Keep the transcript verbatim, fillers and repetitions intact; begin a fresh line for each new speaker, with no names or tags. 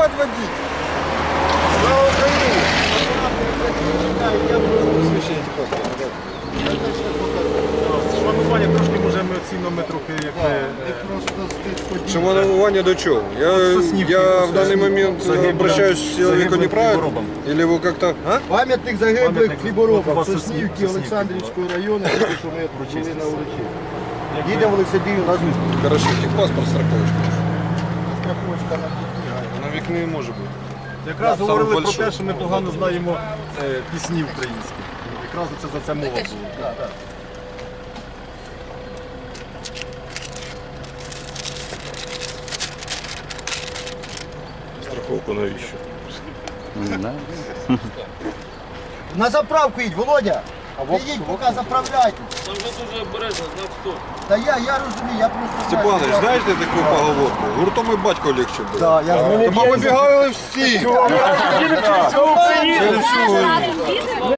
подводить. Слава Україні! Я буду посвящення паспорта.
Шванування трошки може емоційно ми трохи як ми...
Шаманування до чего? Я, я в данный момент обращаюсь к человеку неправильно? Или вы как-то... А?
Пам'ятник загиблих
Пам'ятник.
хліборобам
У вас
Соснівки
Соснівки.
Олександрівського району, що ми були на урочисті. Їдемо в Лисабію на зустріч.
Хорошо, техпаспорт, страховочка.
Страховочка на вікні.
На вік не може бути.
Якраз
Саме
говорили про
большой.
те, що ми погано знаємо е, пісні українські. Якраз це за це мова була.
Страховку навіщо?
На заправку їдь, Володя! Їдь, поки заправляйте.
Там вже дуже обережно, знак стоп.
Та я, я розумію, я просто...
Степанович, знаєте таку поговорку? Гуртом і батько легче було.
Так, я ж мене
Тому вибігали всі. Через